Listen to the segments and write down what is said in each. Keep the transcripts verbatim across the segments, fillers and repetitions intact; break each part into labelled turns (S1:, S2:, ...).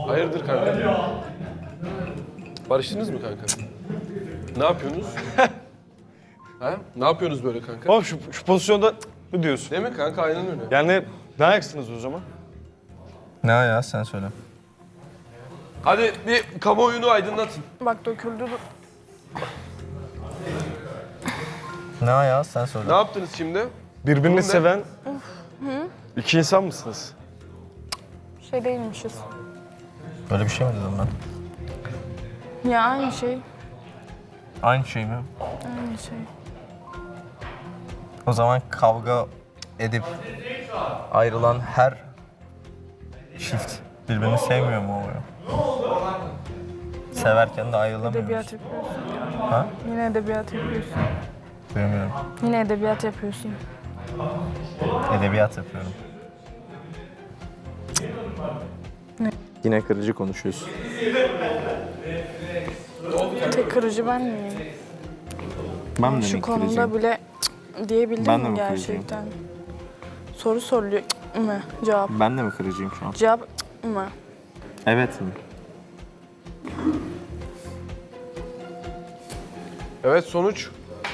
S1: Hayırdır kanka? Barıştınız mı kanka? Ne yapıyorsunuz? Ha? Ne yapıyorsunuz böyle kanka?
S2: Oğlum şu, şu pozisyonda mı diyorsun?
S1: Değil mi kanka? Aynen öyle.
S2: Yani ne ayaksınız o zaman?
S3: Ne ya sen söyle.
S1: Hadi bir kamuoyunu aydınlatın.
S4: Bak döküldü.
S3: Ne ya sen söyle.
S1: Ne yaptınız şimdi?
S2: Birbirini
S1: ne?
S2: seven iki insan mısınız?
S4: Şey değilmişiz.
S3: Böyle bir şey mi dedim ben?
S4: Ya aynı şey.
S3: Aynı şey mi?
S4: Aynı şey.
S3: O zaman kavga edip ayrılan her çift birbirini sevmiyor mu oluyor? Severken de ayrılamıyoruz.
S4: Edebiyat yapıyorsun.
S3: Ha?
S4: Yine edebiyat yapıyorsun.
S3: Duymuyorum.
S4: Yine edebiyat yapıyorsun.
S3: Edebiyat yapıyorum.
S4: Ne?
S3: Yine kırıcı konuşuyorsun.
S4: Tek kırıcı ben miyim?
S3: Ben de
S4: Şu
S3: mi
S4: konuda
S3: kırıcıyım?
S4: bile cık diyebildim
S3: Ben de
S4: mi
S3: mi kırıcıyım?
S4: gerçekten? Soru soruluyor. Cık mı? Cevap.
S3: Ben de mi kırıcıyım şu an?
S4: Cevap cık mı?
S3: Evet mi?
S1: Evet, sonuç.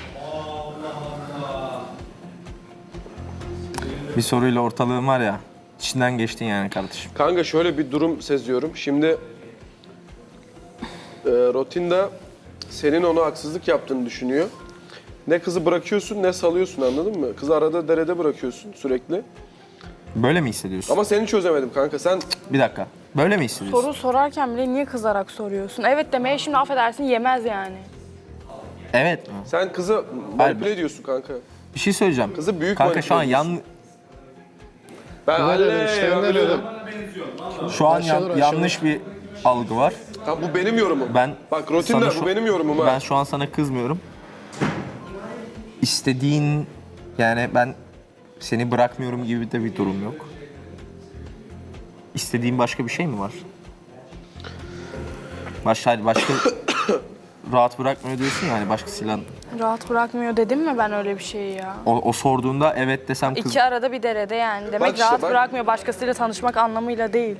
S3: Bir soruyla ortalığın var ya, içinden geçtin yani kardeşim.
S1: Kanka şöyle bir durum seziyorum. Şimdi e, Rotinda senin ona haksızlık yaptığını düşünüyor. Ne kızı bırakıyorsun ne salıyorsun, anladın mı? Kızı arada derede bırakıyorsun sürekli.
S3: Böyle mi hissediyorsun?
S1: Ama seni çözemedim kanka. Sen
S3: Bir dakika. Böyle mi hissediyorsun?
S4: Soru sorarken bile niye kızarak soruyorsun? Evet demeye şimdi affedersin yemez yani.
S3: Evet mi?
S1: sen kızı manipüle ediyorsun kanka.
S3: Bir şey söyleyeceğim.
S1: Kızı büyük
S3: Kanka şu an
S1: manipüle
S3: yan
S1: Ben halle
S5: işlerinde böyle.
S3: şu an yan-
S5: Aşağıdan
S3: yanlış bir algı var.
S1: Tamam, bu benim yorumum.
S3: Ben
S1: Bak Rotinda
S3: sana
S1: bu
S3: şu-
S1: benim yorumum ha.
S3: Ben şu an sana kızmıyorum. İstediğin yani ben seni bırakmıyorum gibi de bir durum yok. İstediğin başka bir şey mi var? Başka başka rahat bırakmıyor diyorsun yani başkasıyla.
S4: Rahat bırakmıyor dedim mi ben öyle bir şeyi ya?
S3: O, o sorduğunda evet desem kız.
S4: İki arada bir derede yani. Demek
S1: Bak işte,
S4: rahat
S1: bak.
S4: bırakmıyor başkasıyla tanışmak anlamıyla değil.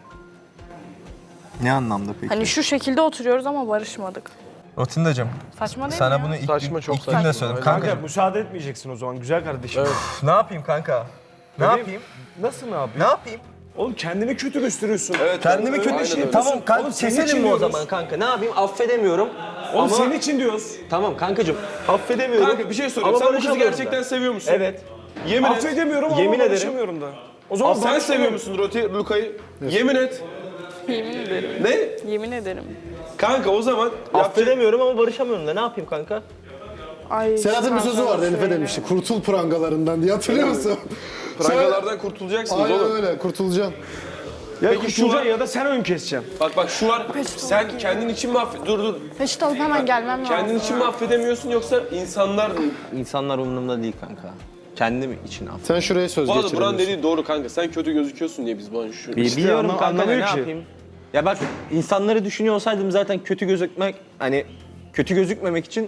S3: Ne anlamda peki?
S4: Hani şu şekilde oturuyoruz ama barışmadık.
S3: Rotindacığım.
S4: Saçma değil mi
S3: Sana
S4: ya?
S3: bunu ilk,
S1: Saçma, çok
S3: ilk gün de
S1: saçma.
S3: söyledim.
S2: Kanka
S3: Kanka
S2: müsaade etmeyeceksin o zaman güzel kardeşim.
S3: ne yapayım kanka? Ne
S2: Bebeğim,
S3: yapayım?
S2: Nasıl ne yapayım?
S3: Ne yapayım?
S2: Oğlum kendini kötü gösteriyorsun.
S1: Evet,
S3: Kendimi
S1: evet,
S3: kötü
S1: aynen
S3: şey.
S1: öyle.
S3: Tamam kanka
S2: Oğlum senin
S3: keselim
S2: için
S3: mi o
S2: diyoruz.
S3: zaman kanka? Ne yapayım? Affedemiyorum.
S2: Oğlum
S3: Ama-
S2: senin için diyoruz.
S3: Tamam kankacığım. Affedemiyorum.
S1: Kanka bir şey sorayım.
S3: Ama
S1: Sen bu kızı
S3: barışamıyorum
S1: gerçekten
S3: da.
S1: seviyor musun?
S3: Evet.
S1: Yemin et.
S2: Affedemiyorum ama
S3: Yemin ederim.
S2: barışamıyorum da. O zaman
S1: Aa, sen seviyor musun Roti Luka'yı? Yemin et.
S4: Yemin ederim.
S1: Ne?
S4: Yemin ederim.
S1: Kanka o zaman yapacak...
S3: Affedemiyorum ama barışamıyorum da ne yapayım kanka?
S4: Ay,
S5: Serhat'ın bir sözü vardı Elif'e
S4: söyle.
S5: demişti. Kurtul prangalarından diye hatırlıyor musun?
S1: Prangalardan kurtulacaksınız
S5: Aynen
S1: oğlum.
S5: öyle kurtulacaksın.
S2: Ya
S1: Peki şu
S2: kurtulacaksın
S1: var-
S2: ya da sen ön keseceksin.
S1: Bak bak şu var.
S4: Peçete
S1: Sen
S4: alıp
S1: kendin için mi affed... Dur dur.
S4: Peçete alıp hemen gelmem lazım.
S1: Kendin için mi affedemiyorsun yoksa insanlar mı?
S3: İnsanlar umurumda değil kanka. Kendim için affedemiyorum.
S5: Sen şuraya söz
S1: Bu arada
S5: geçiremiyorsun.
S1: Buran dediği doğru kanka. Sen kötü gözüküyorsun diye biz bu an şu...
S3: Biliyorum
S2: anla-
S3: kanka ne
S2: anlamıyor ki.
S3: yapayım? Ya bak insanları düşünüyor olsaydım zaten kötü gözükmek hani kötü gözükmemek için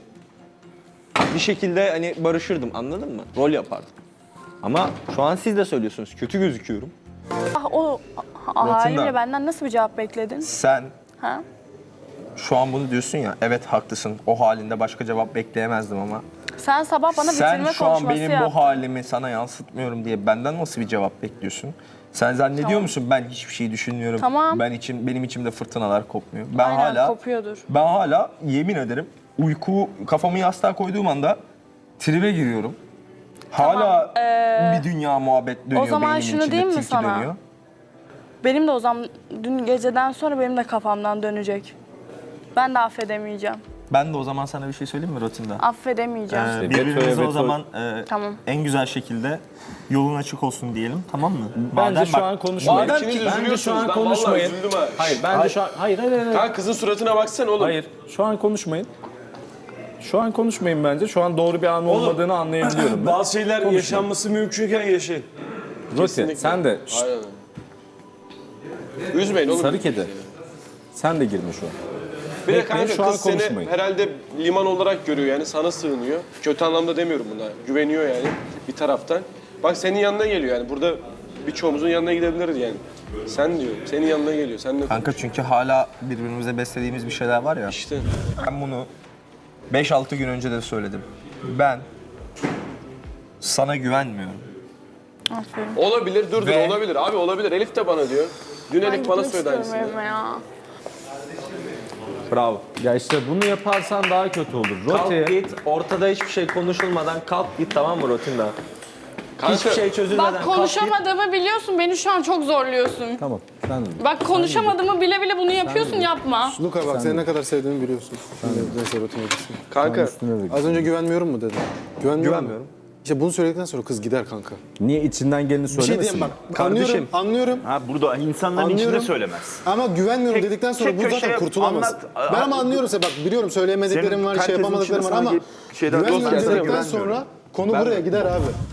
S3: bir şekilde hani barışırdım anladın mı? Rol yapardım. Ama şu an siz de söylüyorsunuz kötü gözüküyorum.
S4: Ah, o ah, halimle benden nasıl bir cevap bekledin?
S3: Sen
S4: Ha?
S3: şu an bunu diyorsun ya evet haklısın o halinde başka cevap bekleyemezdim ama
S4: Sen sabah bana
S3: sen
S4: bitirme
S3: şu an
S4: konuşması
S3: benim
S4: yaptın.
S3: bu halimi sana yansıtmıyorum diye benden nasıl bir cevap bekliyorsun? Sen zannediyor
S4: Tamam.
S3: musun ben hiçbir şey düşünmüyorum.
S4: Tamam.
S3: Ben için benim içimde fırtınalar kopmuyor. Ben
S4: Aynen,
S3: hala
S4: kopuyordur.
S3: Ben hala yemin ederim uyku kafamı yastığa koyduğum anda tribe giriyorum. Hala bir dünya muhabbet dönüyor
S4: o zaman
S3: beynimin
S4: şunu
S3: içinde,
S4: diyeyim mi
S3: tilki
S4: sana?
S3: dönüyor.
S4: Benim de o zaman dün geceden sonra benim de kafamdan dönecek. Ben de affedemeyeceğim.
S3: Ben de o zaman sana bir şey söyleyeyim mi Rotinda?
S4: Affedemeyeceğim.
S3: Ee, birbirimize o zaman e,
S4: Tamam.
S3: en güzel şekilde yolun açık olsun diyelim tamam mı?
S6: Bence
S3: Madem
S6: şu
S3: bak-
S6: an konuşmayın.
S3: madem
S1: İkiniz
S3: ki-
S6: Bence şu
S1: üzülüyorsunuz.
S6: an
S1: Ben
S6: konuşmayın.
S1: vallahi üzüldüm ha.
S6: Hayır, bence şu an hayır hayır hayır.
S1: Kanka kızın suratına baksana oğlum.
S6: Hayır, şu an konuşmayın. Şu an konuşmayın bence. Şu an doğru bir an olmadığını anlayabiliyorum ben.
S2: Bazı şeyler yaşanması mümkünken yaşayın.
S6: Roti, sen de şşt,
S1: Aynen. Üzmeyin oğlum.
S6: sarı kedi. Sen de girme şu an.
S1: Bir de
S6: Bekleyin,
S1: kanka
S6: şu an
S1: kız seni
S6: konuşmayın.
S1: herhalde liman olarak görüyor yani sana sığınıyor. Kötü anlamda demiyorum buna. Güveniyor yani bir taraftan. Bak senin yanına geliyor yani. Burada birçoğumuzun yanına gidebiliriz yani. Sen diyor. Senin yanına geliyor. Sen ne
S3: Kanka çünkü hala birbirimize beslediğimiz bir şeyler var ya.
S1: İşte.
S3: Ben bunu beş altı gün önce de söyledim. Ben sana güvenmiyorum.
S4: Aferin.
S1: Olabilir, dur dur
S3: Ve-
S1: olabilir. Abi olabilir. Elif de bana diyor. Dün
S4: Ben
S1: Elif bana
S4: gitmek
S1: söyledi
S4: istiyorum
S1: aynısını.
S4: evime ya.
S3: Bravo.
S6: Ya işte bunu yaparsan daha kötü olur.
S3: Kalk
S6: Roti
S3: git, ortada hiçbir şey konuşulmadan kalk git, tamam mı Rotinda?
S1: Kanka,
S3: Hiçbir şey çözülmeden
S4: Bak
S3: kalk git.
S4: konuşamadığımı biliyorsun. Beni şu an çok zorluyorsun.
S6: tamam. Sen
S4: Bak konuşamadığımı bile bile bunu yapıyorsun, yapma.
S5: Luka bak seni ne kadar sevdiğimi biliyorsun. Şimdi neyse rutine gitsin.
S1: kanka
S6: üstüne de
S5: Az önce güvenmiyorum mu dedin? Güvenmiyorum.
S3: Güvenmiyorum.
S5: İşte bunu söyledikten sonra kız gider kanka.
S6: niye içinden geleni
S5: Bir şey
S6: söylemesin?
S5: diyeyim bak.
S3: Kardeşim.
S5: Anlıyorum, anlıyorum.
S7: Ha burada insanların
S5: Anlıyorum.
S7: içinde söylemez.
S5: Ama güvenmiyorum
S7: Tek-
S5: dedikten sonra
S7: tek
S5: bu zaten
S7: köşeye
S5: kurtulamaz.
S7: anlat.
S5: Ben ama anlıyorum seni bak biliyorum söyleyemediklerim
S7: Senin
S5: var, şey
S7: herkesin
S5: yapamadıkları
S7: içinde
S5: var ama
S7: sanki şeyler-
S5: güvenmiyorum
S1: Dost gelsene,
S5: dedikten
S7: güvenmiyorum.
S5: sonra konu buraya gider abi.